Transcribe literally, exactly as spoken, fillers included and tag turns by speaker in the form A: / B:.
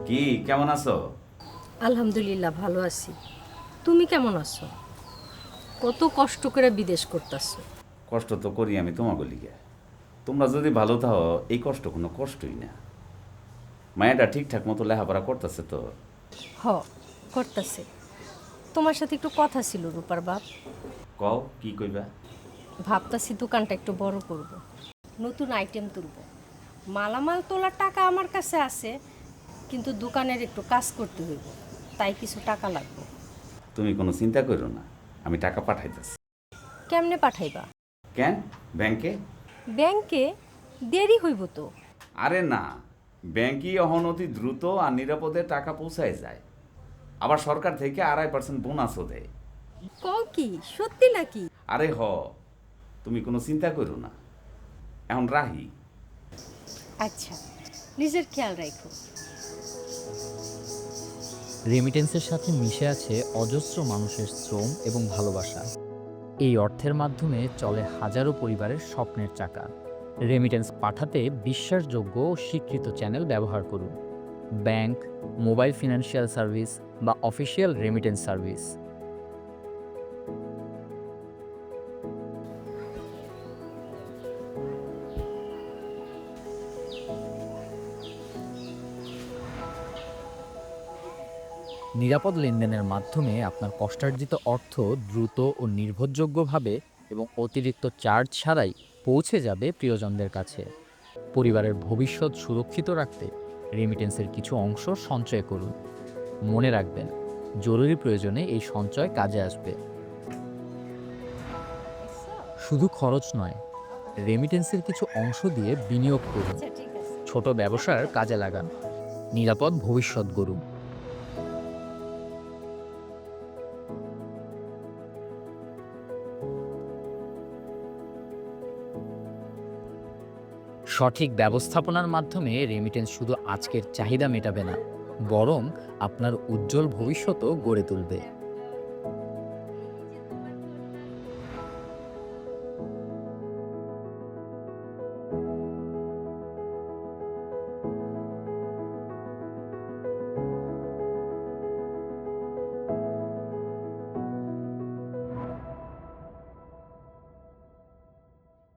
A: কি কেমন আছো?
B: আলহামদুলিল্লাহ ভালো আছি। তুমি কেমন আছো? কত কষ্ট করে বিদেশ করতেছো।
A: কষ্ট তো করি আমি তোমাকে লিগে। তোমরা যদি ভালো থাও এই কষ্ট কোনো কষ্টই না। মায়াটা ঠিকঠাক মতো লেখাপড়া করতেছে তো?
B: হ, করতেছে। তোমার সাথে একটু কথা ছিল রূপার বাপ।
A: কও কি কইবা?
B: ভাবতাছি দোকানটা একটু বড় করব। নতুন আইটেম তুলব। মালামাল তোলার টাকা আমার কাছে আছে, কিন্তু দোকানের একটু কাজ করতে হইব, তাই কিছু টাকা লাগবে।
A: তুমি কোনো চিন্তা করো না, আমি টাকা পাঠাইতেছি।
B: কেমনে পাঠাইবা?
A: কেন? ব্যাংকে?
B: ব্যাংকে? দেরি হইব তো।
A: আরে না, ব্যাংকই অহন অতি দ্রুত আর নিরাপদে টাকা পৌঁছায় যায়। আবার সরকার থেকে আড়াই পার্সেন্ট বোনাসও দেয়।
B: কও কি সত্যি নাকি?
A: আরে হ, তুমি কোনো চিন্তা করো না। এখন রাহি।
B: আচ্ছা, নিজের খেয়াল রাখো।
C: রেমিটেন্সের সাথে মিশে আছে অজস্র মানুষের শ্রম এবং ভালোবাসা। এই অর্থের মাধ্যমে চলে হাজারো পরিবারের স্বপ্নের চাকা। রেমিটেন্স পাঠাতে বিশ্বাসযোগ্য ও স্বীকৃত চ্যানেল ব্যবহার করুন। ব্যাংক, মোবাইল ফিনান্সিয়াল সার্ভিস বা অফিসিয়াল রেমিটেন্স সার্ভিস। নিরাপদ লেনদেনের মাধ্যমে আপনার কষ্টার্জিত অর্থ দ্রুত ও নির্ভরযোগ্যভাবে এবং অতিরিক্ত চার্জ ছাড়াই পৌঁছে যাবে প্রিয়জনদের কাছে। পরিবারের ভবিষ্যৎ সুরক্ষিত রাখতে রেমিটেন্সের কিছু অংশ সঞ্চয় করুন। মনে রাখবেন, জরুরি প্রয়োজনে এই সঞ্চয় কাজে আসবে। শুধু খরচ নয়, রেমিটেন্সের কিছু অংশ দিয়ে বিনিয়োগ করুন।
B: আচ্ছা ঠিক আছে।
C: ছোট ব্যবসার কাজে লাগান। নিরাপদ ভবিষ্যৎ গড়ুন। সঠিক ব্যবস্থাপনার মাধ্যমে রেমিটেন্স শুধু আজকের চাহিদা মেটাবে না, বরং আপনার উজ্জ্বল ভবিষ্যতও গড়ে তুলবে।